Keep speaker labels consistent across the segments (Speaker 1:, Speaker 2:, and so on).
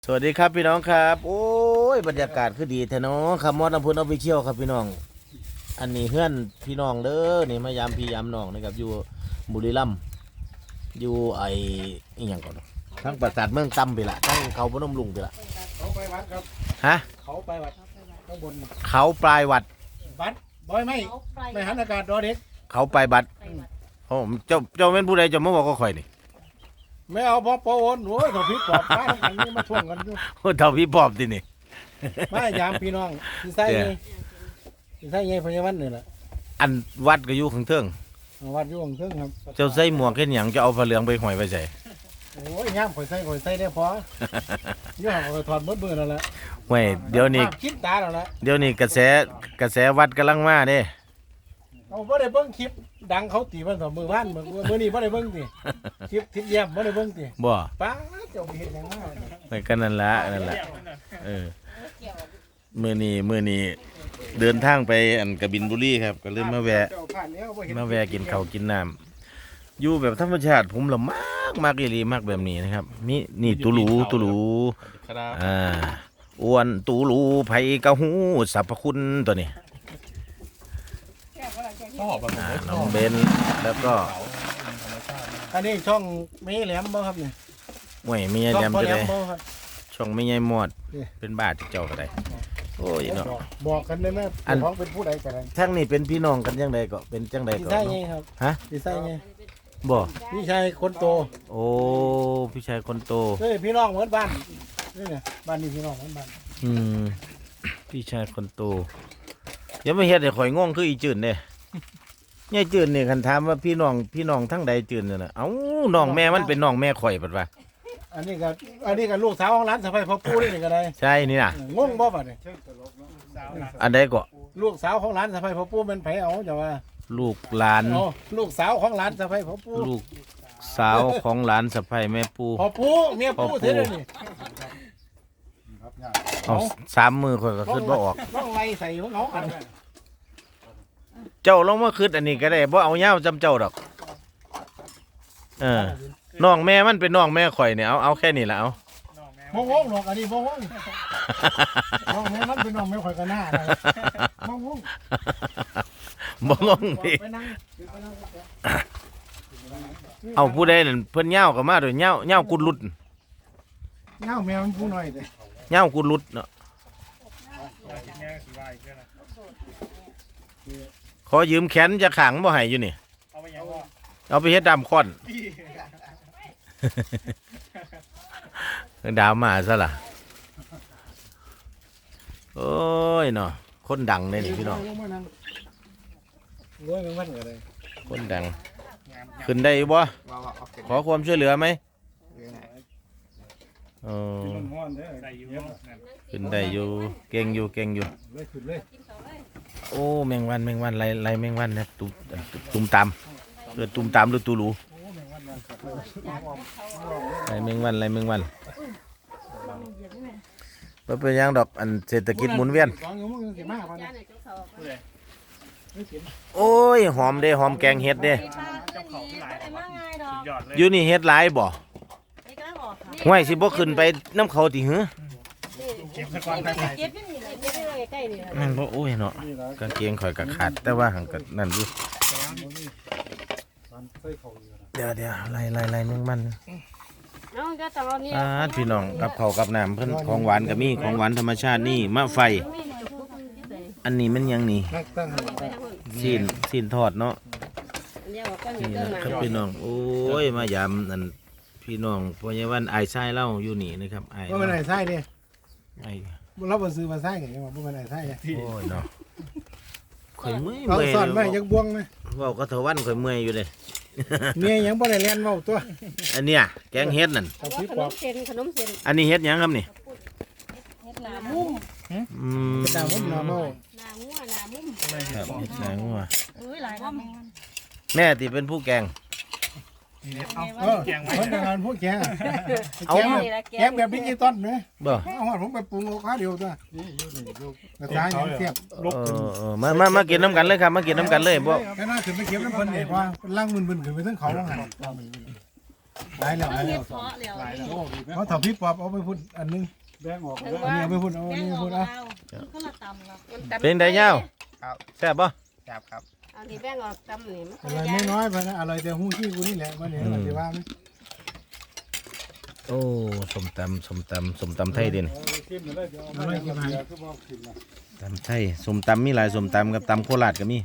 Speaker 1: สวัสดีครับพี่น้องครับโอ้ยบรรยากาศคือดีแท้เนาะครับมอดน้ำพุนออฟฟิเชียลครับพี่น้องอันนี้เพื่อนพี่น้องเด้อนี่มายามพี่ยามน้องนะครับอยู่บุรีรัมย์อยู่อีหยังก่อนทั้งปราสาทเมืองตำไปละทั้งเขาพนมลุงไปละ
Speaker 2: เขาไปวัดครับ
Speaker 1: ฮะ
Speaker 2: เขาไปวัดข้างบน
Speaker 1: เขาปลายวัด
Speaker 2: วัดบอยไม่หันอากาศรอเด็ก
Speaker 1: เขาปลายบัดโอ้เจ้าเป็นผู้ใดจะมาบอกก็ข่อยนี่
Speaker 2: ไม่เอาพอปอวนโอ้ยเขาพิษปอบป้าทั้งอันนี้มาท่วงกันอยู่
Speaker 1: โอ้เท่าพี่ปอบทีนี่
Speaker 2: มายามพี่น้องที่ไส้ไงที่ไส้ไงพญาวันนี่แหละ
Speaker 1: อันวัดก็อยู่ข้างเทิง
Speaker 2: วัดอยู่ของเครื่องครับ
Speaker 1: เจ้าใส่หมวกเห็นหยังจะเอาผ้าเหลืองไปห้อยไปใส่
Speaker 2: โอ้ยย่ามข่อยใส่ได้พอยี่ห้อข่อยถอดมือนั่นแหละ
Speaker 1: เว้ยเดี๋ยวนี้
Speaker 2: คิดตาแล้วละ
Speaker 1: เดี๋ยวนี้กระแสวัดกำลังมาเด้
Speaker 2: เอาบ่ได้เบิ่งคลิปดังเขาตีมันต่อมือบ้านมือนี้บ่ได้เบิ่งติคลิปทิพย์เยี่ยมบ่ได้เบิ่งติ
Speaker 1: บ่
Speaker 2: ป้าเจ้าเห็นยังไง
Speaker 1: ไปกันนั่นละมื้อนี้เดินทางไปอันกบินบุรีครับก็เลยมาแวะกินข้าวกินน้ำอยู่แบบธรรมชาติผมละมากอีหลีมากแบบนี้นะครับนี่ตูรูอ้วนตูรูไผกะฮู้สรรพคุณตัวนี้น้องเบนแล้วก็
Speaker 2: อันนี้ช่องไม่แหลมบ่ครับเนี่ย
Speaker 1: ห่วยไม่ใหญ่แหลมจะได้ช่องไม่ใหญ่หมดเป็นบาทเจ้าก็ได้โอ้ยเนาะ
Speaker 2: บอกกันเลยแม่ท้องเป็นผู้ใดกัน
Speaker 1: ทั้งนี้เป็นพี่น้องกันยังไงก็เป็นจังใดก็
Speaker 2: พี่ชายไงครับ
Speaker 1: ฮะ
Speaker 2: พี่ชายไง
Speaker 1: บ่
Speaker 2: พี่ชายคนโต
Speaker 1: โอ้พี่ชายคนโต
Speaker 2: เฮ้ยพี่น้องเหมือนบ้านนี่เนี่ยบ้านนี้พี่น้องเหมือนบ้าน
Speaker 1: พี่ชายคนโตยังไม่เฮ็ดให้ข่อยง่วงคืออีจืดเด้ยายจืดนี่คันถามว่าพี่น้องทั้งใดจืดน่ะเอ้าน้องแม่มันเป็นน้องแม่ข่อยปัดว่า
Speaker 2: อันนี้ก็ลูกสาวของร้านสะใภ้พ่อปู่นี่ก็ได้
Speaker 1: ใช่นี่น่ะ
Speaker 2: งงบ่บัดนี้
Speaker 1: อันใดก็
Speaker 2: ลูกสาวของร้านสะใภ้พ่อปู่เป็นไผเอาจะว่า
Speaker 1: ลูกหลาน
Speaker 2: ลูกสาวของร้านสะใภ้พ่อปู่
Speaker 1: ลูกสาวของหลานสะใภ้แม่ปู่
Speaker 2: พ่อปู่เมียปู่เท่านี้
Speaker 1: เอา3 มือข่อยก็ขึ้นบ่ออก
Speaker 2: ต้องไล่ใส่ของเขากัน
Speaker 1: เจ้าลองมาคืดอันนี้ก็ได้บ่เอายาวจำเจ้าดอกน้องแม่มันเป็นน้องแม่ข่อยเนี่ยเอาแค่นี้ละเอา
Speaker 2: โมงงหรอกอันนี้โมงงน้องแม่มันเป็นน้องแม่ข่อยกันหน้าโมงง
Speaker 1: ดิเอาผู้ใดนั่นเพิ่นเหย้าก็มาด้วยเหย้ากุดลุด
Speaker 2: เหย้าแม่มันผู้น้อยเด้
Speaker 1: เหย้ากุดลุดเนาะขอยืมแขนจะขังบ่ให้อยู่นี่เอาไปเฮ็ดดำค้อนดาวมาซะล่ะโอ้ยเนาะคนดังเลยนี่พี่น้องคนดังขึ้นได้บ่ขอความช่วยเหลือไหมขึ้นได้อยู่เก่งอยู่โอ้แมงวันไรแมงวันนะตุ้มตามเกิดตุ้มตามหรือตูรูไรแมงวันเป็นยังดอกอันเศรษฐกิจหมุนเวียนโอ้ยหอมเด้หอมแกงเห็ดเด้อยู่นี่เห็ดหลายบ่ห้วยสิบ่ขึ้นไปน้ำเขาติหือมันบ่โอ้ยเนาะกางเกงข่อยก็ขาดแต่ว่าหังก็นั่นอยู่เดี๋ยวไล่แมงมันพี่น้องกับข้าวกับน้ำเพิ่นของหวานก็มีของหวานธรรมชาตินี่มะไฟอันนี้มันยังนี่ซีนทอดเนาะนี่นะครับพี่น้องโอ้ยมายามนั่นพี่น้องพญาวันไอ้ไส้เล่าอยู่นี่นะครับไอ้
Speaker 2: ว่าเป็นไอ้ไส้เนี่ยเราไปซื้อมาไส้ไงว่าเป็นไอ้ไส้
Speaker 1: โอ้ยเนาะข่อยเมื่อย
Speaker 2: เขาสอนไว้ยังบวงไหม
Speaker 1: ว่าก็เถาวันข่อยเมื่อยอยู่เลย
Speaker 2: เมียยังบ่ได้เรียนเว้าตัว
Speaker 1: อันเนี้ยแกงเฮ็ดนั่น
Speaker 3: ขนมเส้น
Speaker 1: อันนี้เฮ็ดยังครับนี่
Speaker 3: เฮ็ดหนามุ้ม
Speaker 2: หนามุ้มหนาเมา
Speaker 3: หนางัว
Speaker 1: ครับเฮ็ดหนางัว
Speaker 3: หลาย
Speaker 1: แม่ที่เป็นผู้แกง
Speaker 2: คนงานพวกแกแบบดิจิตอลไหมเอาผมไปปรุงข้าวเดียวตัวกระจายเทียบ
Speaker 1: มากินน้ำกันเลยครับมากินน้ำกันเลยพวก
Speaker 2: แค่น่าถึงไปเก็บน้ำเพิ่นเนี่ยว่าล่างมึนขึ้นไปทั้งเขาล่างหันหลายแล้วหลาย
Speaker 3: เฮ็
Speaker 2: แล้ว
Speaker 3: ดเพาะแล้ว
Speaker 2: เขาถอดพี่ปอบเอาไปพุ่นอันนึง
Speaker 4: แบ่งออก
Speaker 3: ถึง
Speaker 4: แล้ว
Speaker 3: ว่า
Speaker 2: เอาไปพุ่นเอา
Speaker 3: แป้ง
Speaker 2: นี่
Speaker 3: ออ
Speaker 2: พุ่
Speaker 3: ก
Speaker 2: น
Speaker 3: แล้
Speaker 2: เอา
Speaker 3: วมันก็ละตำแล้ว
Speaker 1: เป็นไดยาวแซ่บบ่
Speaker 5: ครับ
Speaker 3: อันนี้แป้งออกตำนี่มัน
Speaker 2: อะไรไม่น้อยไปนะอะไรแต่หู้ขี้กูนี่แหละมันเนี่ยมันจะว่าไหม
Speaker 1: โอ้สมตำไทยเด่น
Speaker 4: กินเลยเดี๋ยวเอาไปกินเดี๋ยวคือบอกกินนะ
Speaker 1: ตำไทยสมตำมีหลายสมตำกับตำโคราชก็มี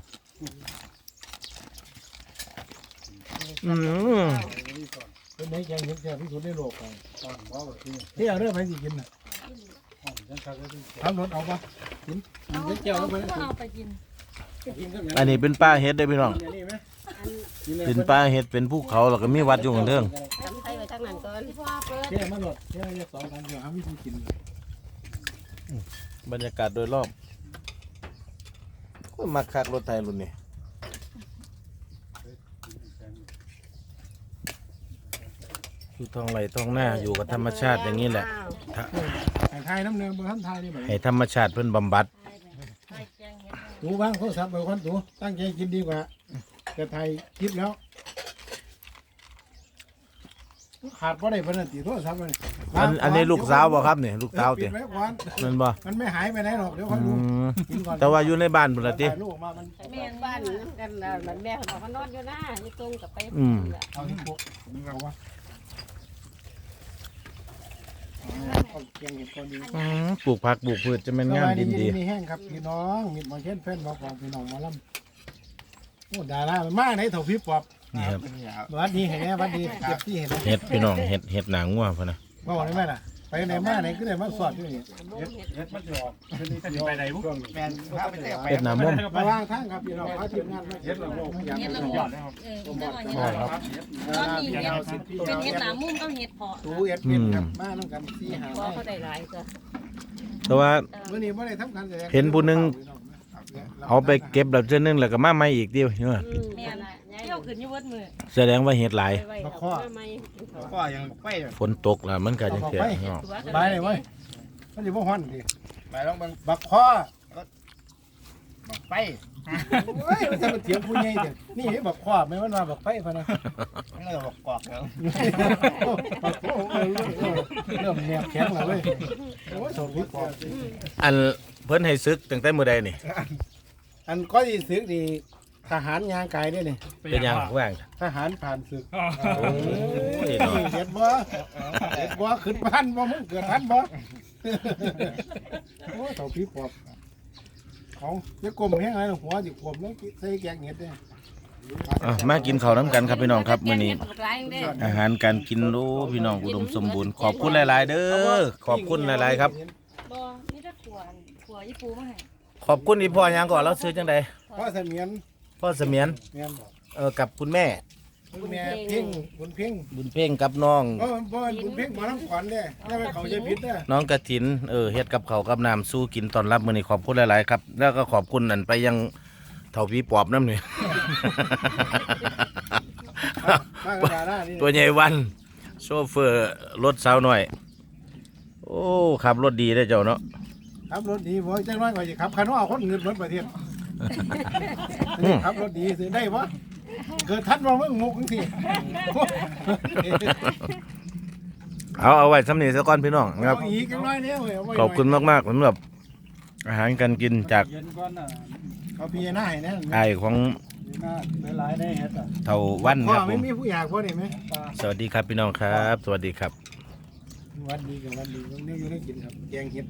Speaker 1: อืม
Speaker 2: เป็นไหนแกงเห็ดแกงที่สุดในโลกไป
Speaker 4: ตอนว่าที่
Speaker 2: ที่เอาเรื่องไปสิกินน่ะ
Speaker 4: ห้องฉันทักได้ที่
Speaker 2: ทำรถเอาปะกินเห็ดแก้วเอาไป
Speaker 3: เอาไปกิน
Speaker 4: กินกับ
Speaker 1: อันนี้เป็นป้าเฮ็ดได้อพี่น้อง
Speaker 4: นี่ไหม
Speaker 1: เป็นป้าเฮ็ดเป็นภูเขาแล้วก็มีวัดอยู่ข้างเทิง
Speaker 3: ตำไทยไว้ทางนั้นก่อนพ่อเปิด
Speaker 2: แค่มาหลดแค่สองกันเดี๋ยวหาวิธีกิน
Speaker 1: บรรยากาศโดยรอบก็มักคักรถไทยรุ่นนี้อยู่ท้องไร่ท้องหน้าอยู่กับธรรมชาติอย่างนี้แหละ
Speaker 2: ไทยน้ำเนื้อบ่ท่านไทยนี่ไหม
Speaker 1: ให้ธรรมชาติเพิ่นบำบัด
Speaker 2: ตูบ้างโทรศัพท์ไปคนตูตั้งใจกินดีกว่าจะไทยคลิปแล้วขาดเพราะได้เพนันตีโทรศัพท์เลย
Speaker 1: อันนี้ลูกสาวบ่ครับนี่ลูกสาว
Speaker 2: ติ
Speaker 1: ติ
Speaker 2: ดไว้ก่อน
Speaker 1: มันบ่
Speaker 2: มันไม่หายไปไหนหรอกเดี๋ยว
Speaker 1: อื
Speaker 2: เขาดู
Speaker 1: ม
Speaker 2: กินก่อน
Speaker 1: แต่ว่าอยู่ในบ้านพุ่นล่ะติ
Speaker 2: ถ่ายรูปมามัน
Speaker 3: แม่บ้านน้ำกันแล้วมันแม่เขาบอกว่านอนอยู่หน้าอยู่ตรงกับไป
Speaker 2: เอาที่พวกมึงเอาวะเอาเกียงเห็ดก่อนดี
Speaker 1: ปลูกผักปลูกพืชจะแม่นงามดินดี
Speaker 2: มีแห้งครับพี่น้องมีมาเช่นเพื่อนบอกของพี่น้องมาล่ำโอ้ดารามาไหนเถ่าพี่ปอบ
Speaker 1: นี่ครับ
Speaker 2: วัดดีเห็นไหมวัดดีเก็บที่เห็นไหม
Speaker 1: เฮ็ดพี่น้องเฮ็ดหนังงัวพุ่นน่ะ
Speaker 2: บอกได้ไหมล่ะไปไหนมาไหนก็ได้มาสอดอยู่นี่
Speaker 4: เฮ็ดมันจะออกไปไหนบุ้ง
Speaker 5: แมนพาไปเที่ยวไป
Speaker 1: เฮ็ดหน้ามุม
Speaker 2: มาว่างทางครับพี่น้องพาทีมงานมา
Speaker 4: เฮ็ดละโลกอย่างนี้ยอดเลยครับ
Speaker 3: ตอนนี้เห็ดเป็นเห็ดหนามุ้มก็เห็ดเพาะ
Speaker 2: ตูเอ็ดเป็นครับมาต้องกันสี่หา
Speaker 3: พอเขาได้หลายก็
Speaker 1: แต่ว่า
Speaker 2: เมื่อนี้ไม่ได้ทำการแสดง
Speaker 1: เห็นผู้หนึ่ง เอาไปเก็บแล้วเทื่อนึงแล้วก็มาใหม่อีกเดียวเนาะ
Speaker 3: แม่เที่ยวขึ้นอยู่วัดมือ
Speaker 1: แสดงว่าเฮ็ดหลาย
Speaker 3: ไว้เอามาใหม่
Speaker 5: ก็ยังไปเลย
Speaker 1: ฝนตกแล้วมันก็จังซี่เนาะ
Speaker 2: ไปเลยเว้ยมันจะบ่ฮ้อนดิ
Speaker 5: ไปลองเบิ่ง
Speaker 2: บักคอ
Speaker 5: บอกไป
Speaker 2: โอ้ยมันจะมาเถียงผู้ใหญ่เด้อนี่บักคอไม่ว่าบักไฟพะนะ
Speaker 5: เงยบอกกอกแล้ว
Speaker 2: เริ่มแนบแข็งแล้วเว้ยโอ้ยสองพี่ปอบ
Speaker 1: อันเพิ่นให้ซึกตั้งแต่มื้อใดนี่
Speaker 2: อันก็ที่ศึกนี่ทหารยางไกลด้วยนี่
Speaker 1: เป็นหยังว่าง
Speaker 2: ทหารผ่านศึก
Speaker 1: โอ้ยเนาะ
Speaker 2: เด็ดบ่เด็ดบ่ขึ้นพันบ่มึงเกิดพันบ่โอ้ยสองพี่ปอบเขาจะกลมแห้งไรหัวจะกลมแล้วใส่แกงเห็ดเนี่ย
Speaker 1: อ่ะมากินข้าวน้ำกันครับพี่น้องครับมื้อนี้
Speaker 3: หลายเด้อ
Speaker 1: อาหารการกินโอ้พี่น้องอุดมสมบูรณ์ขอบคุณหลาย ๆ เด้อขอบคุณหลาย ๆ ครับ
Speaker 3: บ่มีแต่ขัวญี่ปุ่นมาให้
Speaker 1: ขอบคุณอีพ่อหยังก่อนเราซื้อจังใด
Speaker 2: พ่อเสมียน
Speaker 1: พ่อเสมียน
Speaker 2: เมียน
Speaker 1: กับคุณแม่
Speaker 2: คุณแม่เพ่งบุญเพ่ง
Speaker 1: บุญเพ่งกับน้อง
Speaker 2: พ่อบุญเพ่งมาน้ำขวัญเนี่ยแล้วเขาจะพิษเนี่ย
Speaker 1: น้องกระถินเฮ็ดกับข้าวกับน้ำสู้กินตอนรับมื้อนี้ขอบคุณหลาย ๆ ครับ แล้วก็ขอบคุณนั่นไปยังเฒ่าพี่ปอบน้ำนี่
Speaker 2: มากระดาษนี่
Speaker 1: ตัวใหญ่วันโชเฟอร์รถสาวหน่อย โอ้ขับรถดีได้อเจ้าเนาะ
Speaker 2: ขับรถดีบ่จังน้อยกว่าจะขับคันว่าคนเงินรถประเทศขับรถดีสิได้ปะเกิดทันว่าเมื่องกจังซี่
Speaker 1: เอาไว้สำนีซะก่อนพี่น้องนะครับ
Speaker 2: เอาอีกจังน้อยเนี่ยเว้ยเาไว้
Speaker 1: ขอบคุณมากๆสำหรับอาหารการกินจาก
Speaker 4: เย็นก่อนน่ะ
Speaker 2: เอาพี่หน้าให้นะ
Speaker 1: ไอ้ายของ
Speaker 4: น่าหลายๆได้เฮ็ดอ่ะ
Speaker 1: เฒ่าวันค
Speaker 2: พ่อ
Speaker 1: รับผ
Speaker 2: ไม่
Speaker 1: ม
Speaker 2: มีผู้อยากพ่อได้ไหม
Speaker 1: สวัสดีครับพี่น้องครับ สวัสดีครับ
Speaker 2: วันดีกับวันดีวันนี้อยู่ได้กินครับแกงเห็ด